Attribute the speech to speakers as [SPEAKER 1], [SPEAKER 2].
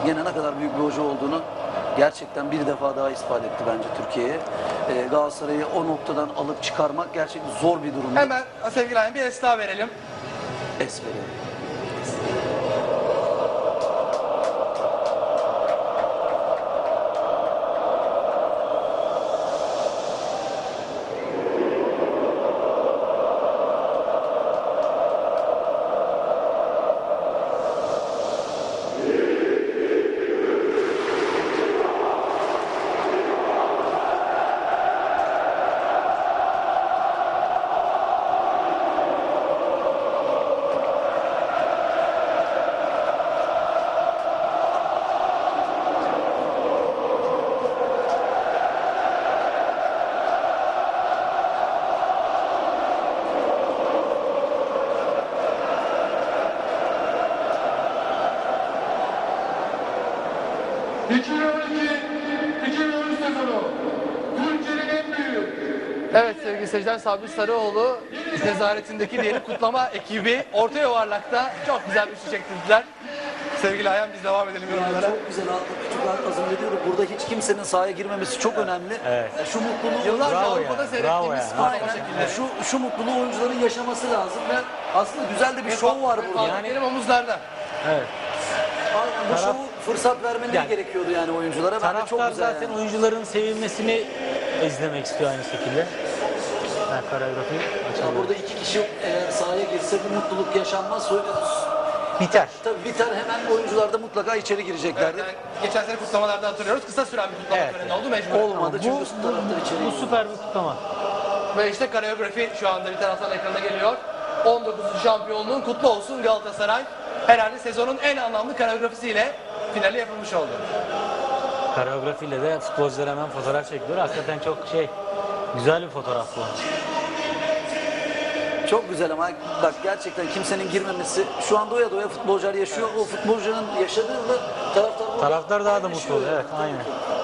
[SPEAKER 1] gene ne kadar büyük bir hoca olduğunu gerçekten bir defa daha ispat etti bence Türkiye'ye. Galatasaray'ı o noktadan alıp çıkarmak gerçekten zor bir durum.
[SPEAKER 2] Hemen sevgili Ayhan bir es daha verelim.
[SPEAKER 1] Es verelim.
[SPEAKER 2] Evet sevgili seyirciler, Sabri Sarıoğlu nezaretindeki diyelim kutlama ekibi orta yuvarlakta çok güzel bir şey çektirdiler. Sevgili Ayhan biz devam edelim yorumlara.
[SPEAKER 1] Çok güzel küçük hazırlıyordu. Burada hiç kimsenin sahaya girmemesi çok önemli.
[SPEAKER 3] Evet.
[SPEAKER 1] Şu mutluluğu
[SPEAKER 2] Yıllarca
[SPEAKER 3] Bravo
[SPEAKER 2] Avrupa'da
[SPEAKER 3] yani,
[SPEAKER 2] seyrettiğimiz
[SPEAKER 3] bravo yani.
[SPEAKER 2] kutlama şekilleri.
[SPEAKER 1] şu mutluluğu oyuncuların yaşaması lazım ve aslında güzel de bir şov var burada.
[SPEAKER 2] Yani benim omuzlarda.
[SPEAKER 3] Evet.
[SPEAKER 1] Aynen, bu
[SPEAKER 3] Taraf-
[SPEAKER 1] şovu fırsat vermeleri
[SPEAKER 3] Yani-
[SPEAKER 1] gerekiyordu yani oyunculara. Bence çok
[SPEAKER 3] Taraftar
[SPEAKER 1] güzel
[SPEAKER 3] zaten
[SPEAKER 1] yani.
[SPEAKER 3] oyuncuların sevilmesini izlemek istiyor aynı şekilde. Yani koreografi
[SPEAKER 1] Ya
[SPEAKER 3] açılıyor.
[SPEAKER 1] burada iki kişi eğer sahaya girse bu mutluluk yaşanmaz.
[SPEAKER 3] Biter.
[SPEAKER 1] Tabii biter, hemen oyuncular da mutlaka içeri gireceklerdi.
[SPEAKER 2] Yani geçen sene kutlamalarda hatırlıyoruz. Kısa süren bir kutlama
[SPEAKER 3] Evet.
[SPEAKER 2] töreni oldu mecbur.
[SPEAKER 1] Olmadı
[SPEAKER 3] Bu,
[SPEAKER 1] çünkü
[SPEAKER 3] bu,
[SPEAKER 1] taraftar içeri
[SPEAKER 3] bu
[SPEAKER 1] girdi.
[SPEAKER 3] süper bir kutlama.
[SPEAKER 2] Ve işte koreografi şu anda bir taraftan ekrana geliyor. 19. şampiyonluğun kutlu olsun Galatasaray. Herhalde sezonun en anlamlı koreografisiyle finali yapılmış oldu.
[SPEAKER 3] Koreografiyle de futbolcular hemen fotoğraf çekiyor. Hakikaten çok güzel bir fotoğraf bu.
[SPEAKER 1] Çok güzel ama bak gerçekten kimsenin girmemesi, şu an doya doya futbolcular yaşıyor. O futbolcunun yaşadığı da taraftar
[SPEAKER 3] Taraftar daha da mutlu oluyor. Evet, aynen.